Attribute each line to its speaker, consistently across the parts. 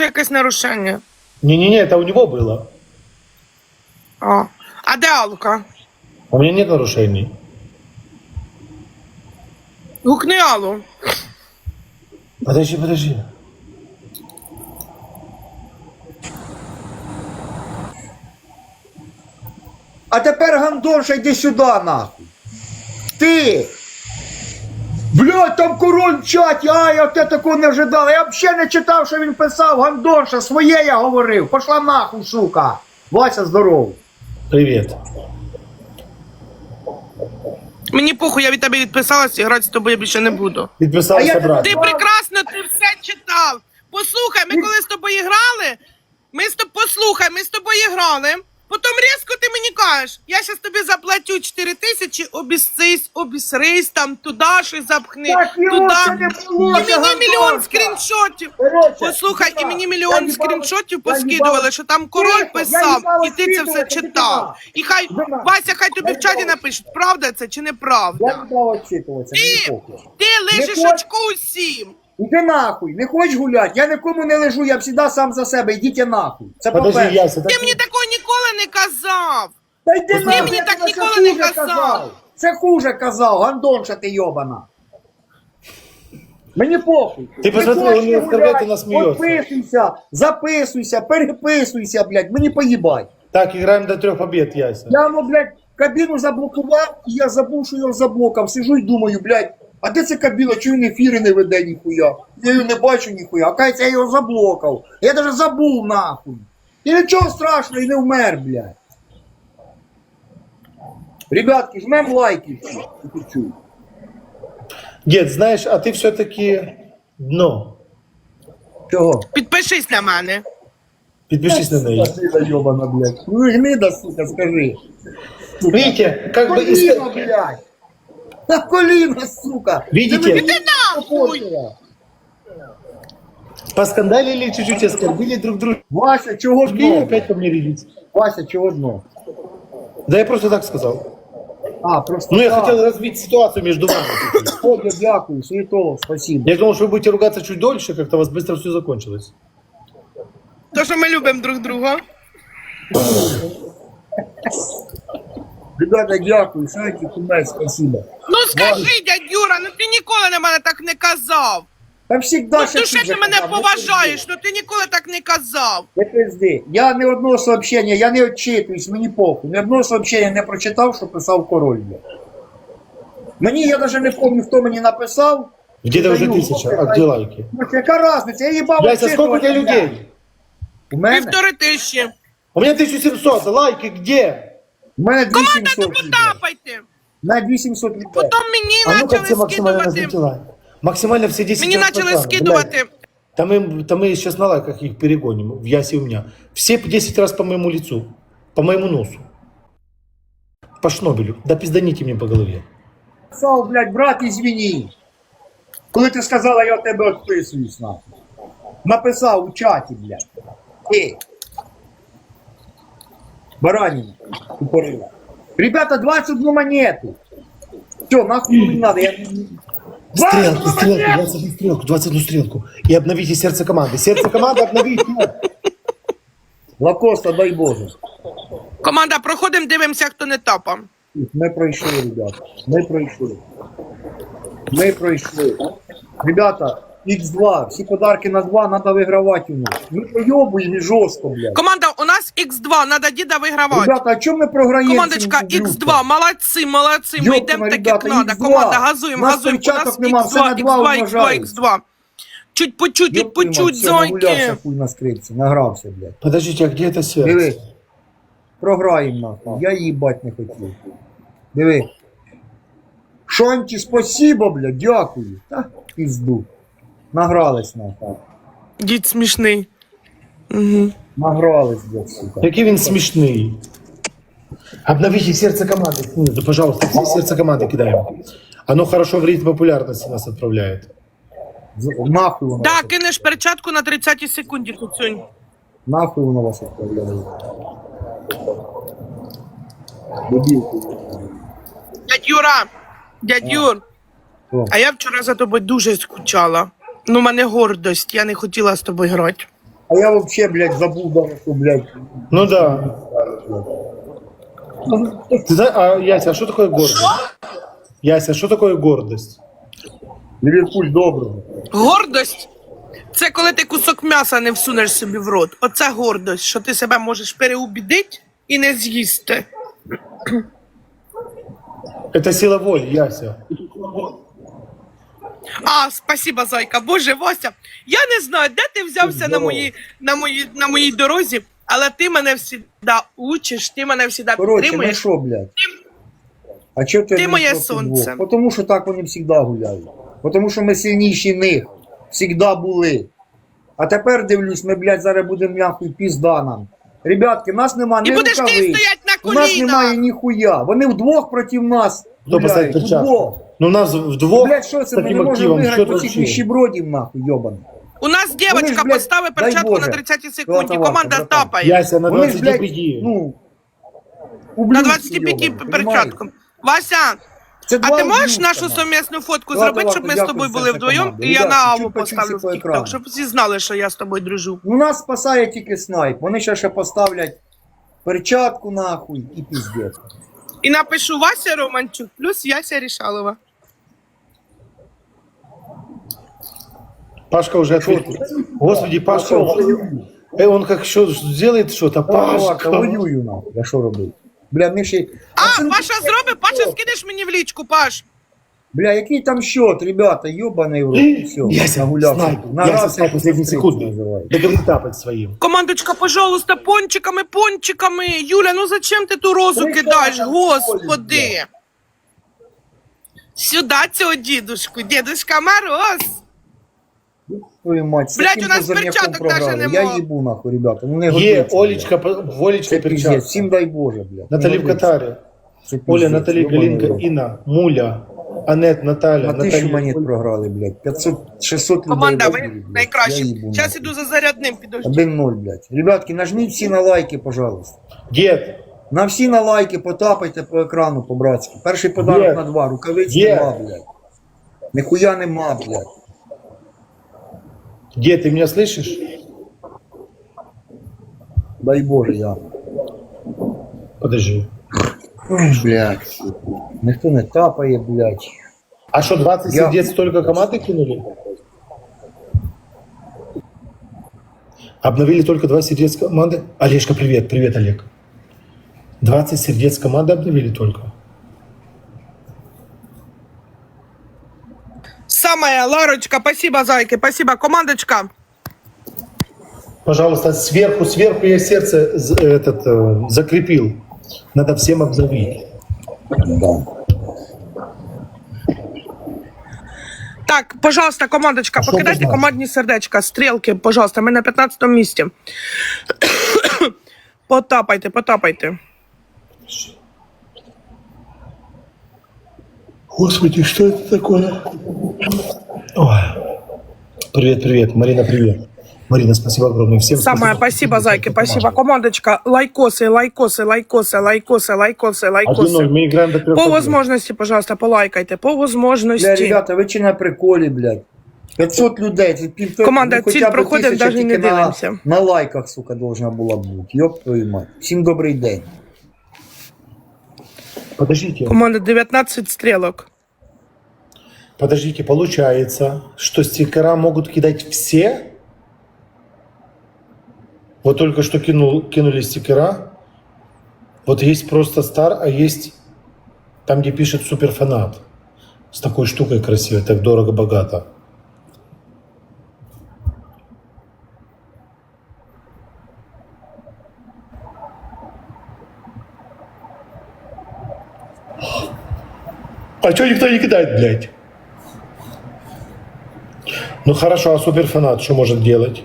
Speaker 1: Якесь нарушення.
Speaker 2: Не-не-не, это у него было.
Speaker 1: А де Алка?
Speaker 2: У меня нет нарушений.
Speaker 1: Гукни Аллу.
Speaker 2: Подожди.
Speaker 3: А тепер гандонша, йди сюди, нахуй. Ти! Блядь, там король в чаті, я те такого не ожидав. Я взагалі не читав, що він писав, гандонша, своє я говорив. Пошла нахуй, сука. Вася, здоров.
Speaker 2: Привет.
Speaker 1: Мені похуй, я від тебе відписалась і грати з тобою більше не буду.
Speaker 2: Подписался брат.
Speaker 1: Ти прекрасно, ти все читав. Послухай, ми коли з тобою грали, послухай, ми з тобою грали, потім різко ти мені кажеш, я зараз тобі заплатю 4 тисячі, обісрись, там, туди щось запхни,
Speaker 3: Так, його
Speaker 1: туди.
Speaker 3: це не було,
Speaker 1: І
Speaker 3: це
Speaker 1: мені мільйон
Speaker 3: гандонка.
Speaker 1: скріншотів.
Speaker 3: Короче,
Speaker 1: Послухай, і мені мільйон
Speaker 3: я
Speaker 1: скріншотів
Speaker 3: їбала-
Speaker 1: поскидували, що там король
Speaker 3: Тихо, я
Speaker 1: писав,
Speaker 3: їбала
Speaker 1: і ти це все
Speaker 3: скидувати,
Speaker 1: читав. І хай,
Speaker 3: Дима,
Speaker 1: Вася, хай тобі
Speaker 3: я
Speaker 1: в чаті
Speaker 3: їбала.
Speaker 1: напишуть, правда це чи неправда.
Speaker 3: Я не дав очитуватися, мені похуй.
Speaker 1: Ти лишиш
Speaker 3: Не хоч-
Speaker 1: очко усім.
Speaker 3: Іди нахуй, не хочеш гуляти, я нікому не лежу, я завжди сам за себе, йдіть нахуй. Це
Speaker 2: Подожди,
Speaker 3: по-перше.
Speaker 2: Яся.
Speaker 1: Ти мені такого ніколи не казав.
Speaker 3: Та йди
Speaker 2: Ти
Speaker 3: нахуй,
Speaker 1: мені
Speaker 3: я
Speaker 1: так
Speaker 3: тебе
Speaker 1: ніколи
Speaker 3: це
Speaker 1: не
Speaker 3: хуже
Speaker 1: казав.
Speaker 3: Це хуже казав, гандонша ти йобана. Мені похуй.
Speaker 2: Ти посмотри,
Speaker 3: хочеш
Speaker 2: він не
Speaker 3: гуляти,
Speaker 2: оскорбляє, нас сміється.
Speaker 3: Підписуйся, записуйся, переписуйся, блядь, мені поїбать.
Speaker 2: Так, играем до 3 побед, Яся.
Speaker 3: Я, блядь, кабіну заблокував, і я забув, що його заблокав. Сижу і думаю, блядь, а де ця кабіна, чого він ефіри не веде ніхуя? Я її не бачу ніхуя, а кажеться, я його заблокав. Я даже забув нахуй. І нічого страшного, і не вмер, блядь. Ребятки, жмем лайки всі.
Speaker 2: Дед, знаешь, а ты все-таки дно.
Speaker 3: Чого?
Speaker 1: Підпишись на мене.
Speaker 2: Подпишись на нее.
Speaker 3: Гнида йобана, блядь. Ну гнида, сука, скажи.
Speaker 2: Видите, как бы...
Speaker 3: Коліна, блядь. На коліна, сука.
Speaker 2: Видите?
Speaker 3: Ти нахуй.
Speaker 2: Поскандалили чуть-чуть, оскорбили друг друга.
Speaker 3: Вася, чого
Speaker 2: И
Speaker 3: дно?
Speaker 2: опять ко мне рядится.
Speaker 3: Вася, чого дно?
Speaker 2: Да я просто так сказал.
Speaker 3: А, просто
Speaker 2: Ну, я
Speaker 3: так.
Speaker 2: хотел развить ситуацию между вами.
Speaker 3: О, я дякую, Світолов, спасибо.
Speaker 2: Я думал, что вы будете ругаться чуть дольше, как-то у вас быстро все закончилось.
Speaker 1: То, що ми любимо друг друга.
Speaker 3: Ребята, дякую, шайки, кумець, спасибо.
Speaker 1: Ну скажи, дядь Юра, ну ти ніколи на мене так не казав.
Speaker 3: Та всегда
Speaker 1: Ну
Speaker 3: ще
Speaker 1: ти ще ти мене поважаєш, ну ти ніколи так не казав.
Speaker 3: Не пизди. Я ні одного сообщення, я не отчитуюсь, мені похуй. Ні одного сообщення не прочитав, що писав король. Мені, я навіть не пам'ятаю, хто мені написав.
Speaker 2: Где-то уже
Speaker 3: Даю.
Speaker 2: 1000, а где лайки?
Speaker 3: Ну, яка різниця, я їбав
Speaker 2: Яся, сколько у тебя людей?
Speaker 3: У мене?
Speaker 1: 1500.
Speaker 2: У меня 1700, лайки где?
Speaker 3: У мене
Speaker 1: Команда,
Speaker 3: 2700
Speaker 1: ну
Speaker 3: людей.
Speaker 1: потапайте.
Speaker 3: На 2800 людей.
Speaker 1: Потім мені
Speaker 2: А ну-ка все
Speaker 1: почали
Speaker 2: максимально
Speaker 1: скидувати.
Speaker 2: назовите лайк. Максимально все 10
Speaker 1: Мені
Speaker 2: раз
Speaker 1: почали
Speaker 2: подряд.
Speaker 1: скидувати.
Speaker 2: Блядь. Там мы сейчас на лайках их перегоним, в Ясе у меня. Все по 10 раз по моему лицу, по моему носу. По шнобелю. Да пизданите мне по голове.
Speaker 3: Написав, блядь, брат, извини. Коли ти сказала, я в тебе відписуюсь, нахуй. Написав у чаті, блядь. Ти. Баранина. Тупорила. Ребята, 21 монету. Все, нахуй не надо. Я...
Speaker 2: Стрелку,
Speaker 3: 21
Speaker 2: стрелку,
Speaker 3: монету!
Speaker 2: 21 стрелку, 21 стрелку. И обновите сердце команды. Сердце команды обновите.
Speaker 3: Лакоста, дай Боже.
Speaker 1: Команда, проходимо, дивимося, хто не тапав.
Speaker 3: Ми пройшли, ребята. Ми пройшли. Ми пройшли. Ребята, Х2, всі подарки на 2 треба вигравати у нас. Ми пройобуємо і жорстко, блядь.
Speaker 1: Команда, у нас Х2, треба діда вигравати.
Speaker 3: Ребята, а чому ми програємо?
Speaker 1: Командочка,
Speaker 3: цим
Speaker 1: Х2, молодці, молодці, ми йдемо так, як
Speaker 3: ребята,
Speaker 1: треба.
Speaker 3: Х2.
Speaker 1: Команда, газуємо,
Speaker 3: У нас
Speaker 1: газуємо. У нас
Speaker 3: перчаток нема, все на
Speaker 1: Х2,
Speaker 3: два
Speaker 1: Х2, Х2,
Speaker 3: умножають.
Speaker 1: Х2. Чуть по чуть, зоньки.
Speaker 3: Нагулявся, хуй на скрипці, награвся, блядь.
Speaker 2: Подождите, а где это сердце?
Speaker 3: Диви, програємо нахуй, я їбать не хотів. Диви. Шонті, спасибо, блядь, дякую. Та, пізду. Награлись нахуй.
Speaker 1: Дід смішний. Угу.
Speaker 3: Награлись, блядь, сука.
Speaker 2: Какие він смешные. Обновите сердце команды. Ну, да, пожалуйста, все сердце команды кидаем. Оно хорошо в ритм популярности нас отправляет.
Speaker 3: Нахуй воно.
Speaker 1: Так, кинеш перчатку на 30-й секунді, Куцюнь.
Speaker 3: Нахуй воно вас відправляє. Дебілки.
Speaker 1: Дядь Юра, дядь Юр,
Speaker 3: Що?
Speaker 1: а я вчора за тобою дуже скучала. Ну, в мене гордость, я не хотіла з тобою грати.
Speaker 3: А я вообще, блядь, забыл даже, что, блядь.
Speaker 2: Ну да. Ты знаешь, а Яся, а что такое гордость? Яся, что такое гордость?
Speaker 3: Ливерпуль доброго.
Speaker 1: Гордость це коли ти кусок м'яса не всунеш собі в рот. Оце гордость, що ти себе можеш переубідити і не з'їсти.
Speaker 2: Это сила воли, Яся.
Speaker 1: Спасибо, зайка. Боже, Вася, я не знаю, де ти взявся на моїй дорозі, але ти мене завжди учиш, ти мене завжди
Speaker 3: Короче, ну
Speaker 1: підтримуєш.
Speaker 3: что, блядь? А чого ти
Speaker 1: Ти
Speaker 3: не
Speaker 1: моє
Speaker 3: проти
Speaker 1: сонце.
Speaker 3: двох? Потому що так вони завжди гуляють. Потому що ми сильніші них. Всегда були. А тепер дивлюсь, ми, блядь, зараз будемо нахуй пізда нам. Ребятки, нас нема
Speaker 1: І
Speaker 3: ні
Speaker 1: будеш ти
Speaker 3: рукавиць.
Speaker 1: стоять на
Speaker 3: У нас немає
Speaker 1: колінах.
Speaker 3: ніхуя. Вони вдвох проти нас
Speaker 2: Кто поставит
Speaker 3: гуляють.
Speaker 2: перчатку?
Speaker 3: Вдвох.
Speaker 2: Ну нас вдвох
Speaker 3: Блядь, що
Speaker 2: с
Speaker 3: це? Ми
Speaker 2: таким
Speaker 3: не можемо
Speaker 2: активом, что
Speaker 3: виграти
Speaker 2: это
Speaker 3: по цих
Speaker 2: вообще?
Speaker 3: ніщебродів, нахуй, йобаний.
Speaker 1: У нас дівчинка
Speaker 3: блядь,
Speaker 1: поставить
Speaker 3: дай
Speaker 1: перчатку
Speaker 3: Боже.
Speaker 1: на 30 секунді,
Speaker 3: Золотовато,
Speaker 1: команда
Speaker 3: братан.
Speaker 1: тапає.
Speaker 2: Яся, на
Speaker 3: Вони ж,
Speaker 2: 25
Speaker 3: блядь,
Speaker 2: иди.
Speaker 3: ну,
Speaker 1: На
Speaker 3: ублюдки
Speaker 1: 25
Speaker 3: йобані,
Speaker 1: перчатку. Вася,
Speaker 3: Це
Speaker 1: а
Speaker 3: два
Speaker 1: ти можеш
Speaker 3: ублюдка,
Speaker 1: нашу
Speaker 3: нахуй.
Speaker 1: совмісну фотку
Speaker 3: Ладно,
Speaker 1: зробити, щоб ми з
Speaker 3: дякую,
Speaker 1: тобою
Speaker 3: все,
Speaker 1: були
Speaker 3: це
Speaker 1: вдвоєм,
Speaker 3: команда.
Speaker 1: і я
Speaker 3: Ребят,
Speaker 1: на Аву
Speaker 3: чуть-чуть
Speaker 1: поставлю в
Speaker 3: по
Speaker 1: TikTok,
Speaker 3: екрану.
Speaker 1: щоб всі знали, що я з тобою дружу.
Speaker 3: Ну нас спасає тільки снайп. Вони ще поставлять перчатку нахуй і піздець.
Speaker 1: І напишу Вася Романчук плюс Яся Рішалова.
Speaker 2: Пашка уже ответил. Господи, Пашка, он как что сделает что-то,
Speaker 3: Пашка,
Speaker 2: Пашка.
Speaker 3: воюю нахуй. Я що робив? Бля, ми ще...
Speaker 1: Паша зробить, Паша, скинеш мені в лічку, Паш.
Speaker 3: Бля, який там счет, ребята, ёбаный в рот, і все.
Speaker 2: Яся,
Speaker 3: нагулявся.
Speaker 2: снайп,
Speaker 3: На
Speaker 2: Яся,
Speaker 3: раз,
Speaker 2: снайп,
Speaker 3: як
Speaker 2: последние
Speaker 3: стрільці
Speaker 2: секунды.
Speaker 3: називають.
Speaker 2: Договори тапать своим.
Speaker 1: Командочка, пожалуйста, пончиками, пончиками. Юля, ну зачем ти ту розу
Speaker 3: Прикольно,
Speaker 1: кидаєш,
Speaker 3: прикольно,
Speaker 1: господи. Сюди цього дідушку, дідушка Мороз.
Speaker 3: Твою мать, з
Speaker 1: Блядь,
Speaker 3: таким
Speaker 1: у нас
Speaker 3: козирняком
Speaker 1: перчаток даже
Speaker 3: програли.
Speaker 1: нема.
Speaker 3: Я їбу нахуй, ребята, ну не
Speaker 2: Е,
Speaker 3: годиться.
Speaker 2: Олечка,
Speaker 3: блядь.
Speaker 2: Волечка
Speaker 3: Це піздець,
Speaker 2: перчатка.
Speaker 3: всім дай Боже, блядь.
Speaker 2: Натали
Speaker 3: Не
Speaker 2: в
Speaker 3: годиться.
Speaker 2: Катаре.
Speaker 3: Це піздець,
Speaker 2: Оля, Натали,
Speaker 3: ёбаний
Speaker 2: Галинка,
Speaker 3: рот.
Speaker 2: Инна, Муля, Анет, Наталья,
Speaker 3: На 1000
Speaker 2: Наталья.
Speaker 3: монет програли, блядь. 500, 600 людей.
Speaker 1: Команда,
Speaker 3: вбили,
Speaker 1: ви
Speaker 3: блядь.
Speaker 1: найкращі.
Speaker 3: Я їбу
Speaker 1: Зараз
Speaker 3: нахуй.
Speaker 1: іду за зарядним, підожди.
Speaker 3: 1-0, блядь. Ребятки, нажміть всі на лайки, пожалуйста.
Speaker 2: Дед,
Speaker 3: На всі на лайки потапайте по екрану по-братськи. Перший подарок
Speaker 2: Є.
Speaker 3: на 2. Рукавиць
Speaker 2: Є.
Speaker 3: нема, блядь. Ніхуя нема, блядь.
Speaker 2: дед, ты меня слышишь?
Speaker 3: Дай Боже, я.
Speaker 2: Подожди.
Speaker 3: Ой, блядь. Ніхто не тапає, блядь.
Speaker 2: А что, 20
Speaker 3: Я-
Speaker 2: сердец только команды кинули? Обновили только 2 сердец команды? Олежка, привет, привет, Олег. 20 сердец команды обновили только.
Speaker 1: Самая, Ларочка, спасибо, зайки, спасибо, командочка.
Speaker 2: Пожалуйста, сверху я сердце закрепил. Надо всем обновить.
Speaker 3: Да.
Speaker 1: Так, пожалуйста, командочка,
Speaker 2: А що
Speaker 1: покидайте
Speaker 2: без нас?
Speaker 1: командні сердечка, стрілки, пожалуйста, ми на 15-му місці. Потапайте, потапайте.
Speaker 2: Господи, что это такое? Ой. Привет, привет, Марина, привет. Марина, спасибо огромное. Всем
Speaker 1: Самое, спасибо, зайки, спасибо. Командочка, лайкосы, лайкосы, лайкосы, лайкосы, лайкосы,
Speaker 2: 1-0,
Speaker 1: лайкосы.
Speaker 2: мы играем до 3
Speaker 1: По возможности, пожалуйста, полайкайте, по
Speaker 3: Бля,
Speaker 1: возможности.
Speaker 3: ребята, ви чи на приколі, блядь. 500 людей, це півтора.
Speaker 1: Команда,
Speaker 3: ну, хоча
Speaker 1: ціль
Speaker 3: б
Speaker 1: проходить,
Speaker 3: 1000
Speaker 1: даже не
Speaker 3: тільки
Speaker 1: дивимося.
Speaker 3: На лайках, сука, должна була бути. Йоп твою мать. Всім добрий день.
Speaker 2: Подождите,
Speaker 1: Команда 19 стрелок.
Speaker 2: подождите, получается, что стикера могут кидать все? Вот только что кинули стикера. Вот есть просто стар, а есть там, где пишет суперфанат. С такой штукой красивой, так дорого-богато. А что никто не кидает, блядь? Ну хорошо, а суперфанат что может делать?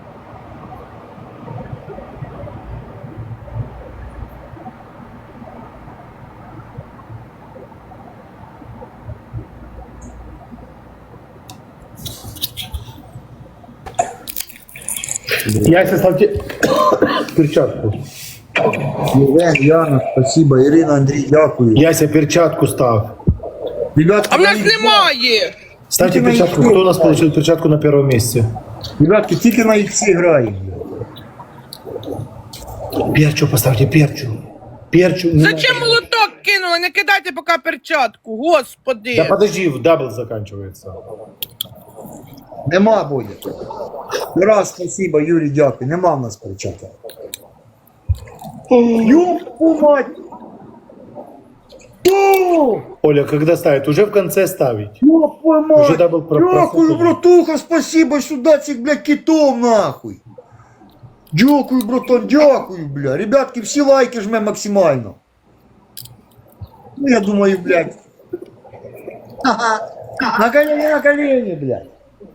Speaker 2: Яся, ставьте перчатку.
Speaker 3: Євген, Яна, спасибо. Ірина, Андрій, дякую.
Speaker 2: Яся, перчатку став.
Speaker 3: Ребятки,
Speaker 1: А в нас
Speaker 3: на X2.
Speaker 1: немає.
Speaker 2: Ставьте
Speaker 3: Тільки на
Speaker 2: перчатку.
Speaker 3: X2
Speaker 2: Кто у нас
Speaker 3: грає.
Speaker 2: получил перчатку на первом месте?
Speaker 3: Ребятки, тільки на іксі граємо.
Speaker 2: Перчу поставьте, перчу. Перчу. не
Speaker 1: Зачем
Speaker 2: надо.
Speaker 1: молоток кинули? Не кидайте поки перчатку, господи.
Speaker 2: Да подожди, дабл заканчивается.
Speaker 3: Нема буде. Раз, спасибо, Юрій, дякую. Нема в нас перчаток. Ёпу мать! О!
Speaker 2: Оля, когда ставить? Уже в конце ставить.
Speaker 3: Ёпу мать!
Speaker 2: Уже дабл
Speaker 3: Дякую,
Speaker 2: проходит.
Speaker 3: братуха, спасибо, сюда цих, блядь, китов, нахуй. Дякую, братан, дякую, бля. Ребятки, всі лайки жме максимально. Ну, я думаю, блядь. На колени, блядь.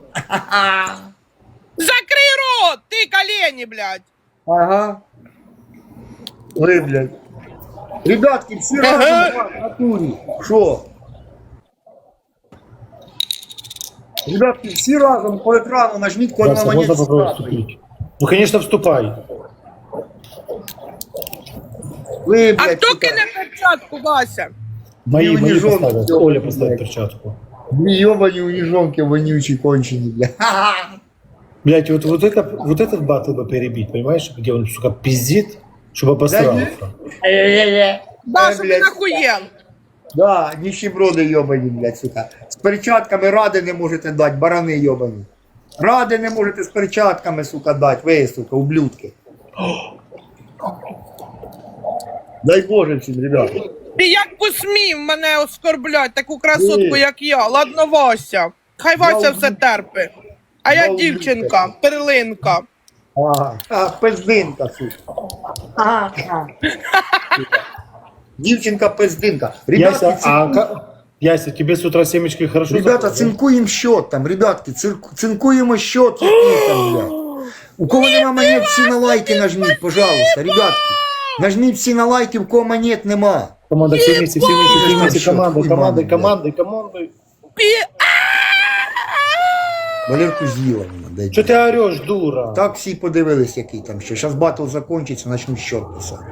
Speaker 1: Закрий рот, ти колені, блядь.
Speaker 3: Ага. Ой, блядь. Ребятки, всі разом в натурі. Що? Ребятки, всі разом по екрану нажміть код на
Speaker 2: Вася,
Speaker 3: монету.
Speaker 2: можно попробовать вступить? Ну, конечно, вступай.
Speaker 3: Ви,
Speaker 1: А
Speaker 3: блядь,
Speaker 1: хто
Speaker 3: сука,
Speaker 1: кине перчатку, Вася?
Speaker 2: Мои
Speaker 3: не жёлтый,
Speaker 2: поставят.
Speaker 3: ёбаный,
Speaker 2: Оля поставит
Speaker 3: блядь.
Speaker 2: перчатку.
Speaker 3: дві йобані уніжонки вонючі кончені, блядь.
Speaker 2: Блять, вот этот батл бы перебить, понимаешь? Где он, сука, пиздит, чтобы обосрался.
Speaker 1: Да, що ти
Speaker 3: блядь.
Speaker 1: нахуєн.
Speaker 3: Да, ніщеброди йобані, блядь, сука. З перчатками ради не можете дати, барани йобані. Ради не можете з перчатками, сука, дати, ви, сука, ублюдки. Дай Боже всім, ребята.
Speaker 1: Ти як посмів мене оскорблять, таку красотку,
Speaker 3: Ні.
Speaker 1: як я. Ладно, Вася. Хай Вася
Speaker 3: Я
Speaker 1: все терпи. А я
Speaker 3: Я
Speaker 1: дівчинка, перлинка.
Speaker 3: Ага. А, пиздинка, сука. Ага. Сука. Дівчинка пиздинка. Ребятки,
Speaker 2: Яся, Яся, тебе с утра семечки хорошо
Speaker 3: Ребята,
Speaker 2: заходят, да?
Speaker 3: цинкуємо счет там, ребятки, цинкуємо счет, який там, блядь. У кого нема монет, всі на лайки нажміть, пожалуйста, ребятки. Нажміть всі на лайки, в кого монет нема.
Speaker 2: Команда, все вместе, все вместе, все вместе,
Speaker 3: Что,
Speaker 2: командой,
Speaker 3: хуй
Speaker 2: командой,
Speaker 3: мамы,
Speaker 2: командой, командой.
Speaker 3: Валерку з'їла мене, дай.
Speaker 2: Что ты орешь, дура?
Speaker 3: Так всі подивились, який там ще. Зараз батл закінчиться, начну счет писати.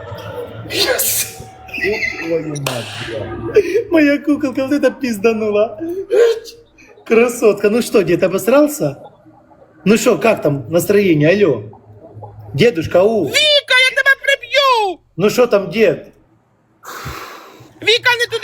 Speaker 3: Ёб твою мать, блядь.
Speaker 2: Моя куколка вот это пизданула. Красотка, ну что, дед обосрался? Ну что, как там настроение, алло? Дедушка,
Speaker 1: Віка, я тебе приб'ю!
Speaker 2: ну что там, дед?
Speaker 1: Віка, не